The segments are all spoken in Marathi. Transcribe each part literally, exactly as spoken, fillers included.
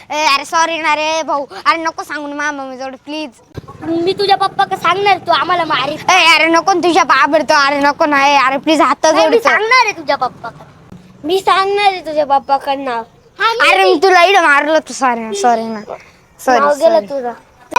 अरे सॉरी ना रे भाऊ, अरे नको सांगू ना मम्मी जवळ प्लीज. मी तुझ्या पप्पा का सांगणार तू आम्हाला मारी. अरे नको ना तुझ्या बाबडतो, अरे नको ना अरे प्लीज हात मी जोडतो. सांगणार आहे तुझ्या पप्पा मी सांगणार आहे तुझ्या पप्पाकडनं. अरे मी तुला इड मारलं तू सॉरी सॉरी ना नाव सॉरी गेलं तुझं.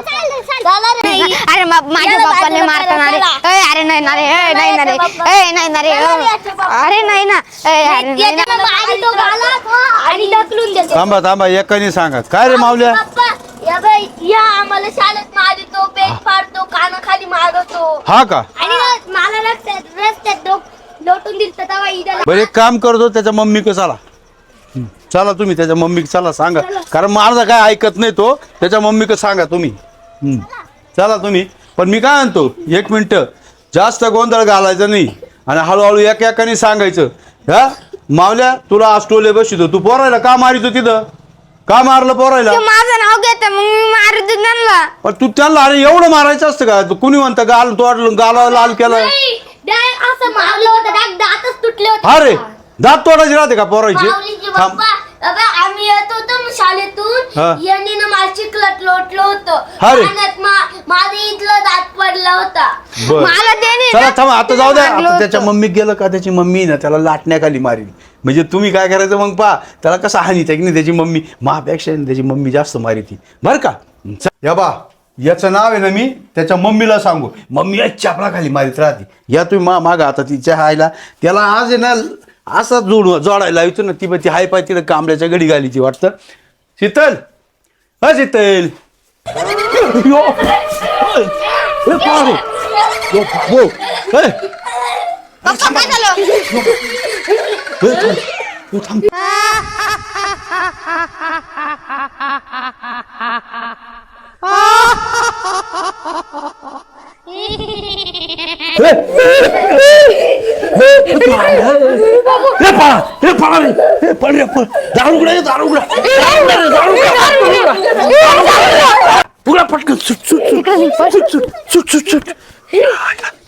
अरे माझ्या बाप्पाने मारताना रे. ए अरे नाही ना रे, ए नाही ना रे, ए नाही ना रे, अरे नाही ना, ए अरे नाही ना. मारी तो गालात आणि ढकलून देतो. थांबा थांबा एकाने सांगा काय रे मावल्या. पप्पा या बाई या आम्हाला शाळेत मारतो, पेट फाडतो, कानाखाली मारतो. हा का आणि ना मला रस्त्यात रस्त्यात डोक- लोटून दिलं तेव्हा इथं बरं एक काम करतो त्याच्या मम्मी क चला हं, चला तुम्ही त्याच्या मम्मी चला सांगा, कारण माझा काय ऐकत नाही तो. त्याच्या मम्मी क सांगा तुम्ही. हं, चला तुम्ही. पण मी काय म्हणतो एक मिनिट, जास्त गोंधळ घालायचा नाही आणि हळूहळू एक एकाने सांगायचं. हा मावल्या तुला आज टोले बसितो, तू पोरायला का मारितो तिथं, का मारलं पोरायला. तू माझं नाव घेत मग मी मारतो त्यांना. पण तू त्यांना अरे एवढं मारायचं असतं का, तू कुणी म्हणतं गाल तोडलं गाला लाल केलं. नाही, डाय- असं मारलं होतं डाग- दातच तुटले होते. अरे दात तोडायचे राहते का पोरायचे. माऊलीचे थांब. पप्पा अबे, आम्ही येत होतो मग हा. शाळेतून यांनी ना मला चिखलात लोटलं होतं. अरे. पाण्यात मा- माझं इथलं दात पडला होता. बर मला त्याने चला थांबा आता जाऊ द्या. मारलं आता त्याच्या होतं. मम्मी गेलं का त्याची मम्मी ना त्याला लाटण्याखाली मारील. म्हणजे तुम्ही काय करायचं मग पहा त्याला कसं हानीत आहे की नाही त्याची मम्मी महापेक्षा त्याची मम्मी जास्त मारिती बरं का. च- या बा याचं नाव आहे ना मी त्याच्या मम्मीला सांगू, मम्मी या चापला खाली मारित राहते. या तुम्ही मा मागा आता तिच्या हायला त्याला आज आहे ना असा जोड जोडायला येतो ना ती ती हाय पाय तिला कांबल्याच्या गडी घाली ती वाटतं. शीतल हा शीतल यो. ए, पारे. यो, हो. ए. पप्पा काय झालं. ए, थांब. ए, थांब. ए, ए, पळा. ए, पळा रे. ए, पळ रे, पळ. दारू उघडा, ए, दारू उघडा. दारू उघडा रे, दारू उघडा. दारू उघडा. दारू उघडा. उघडा पटकन. सुट, सुट, सुट. सुट, सुट, सुट, सुट, सुट.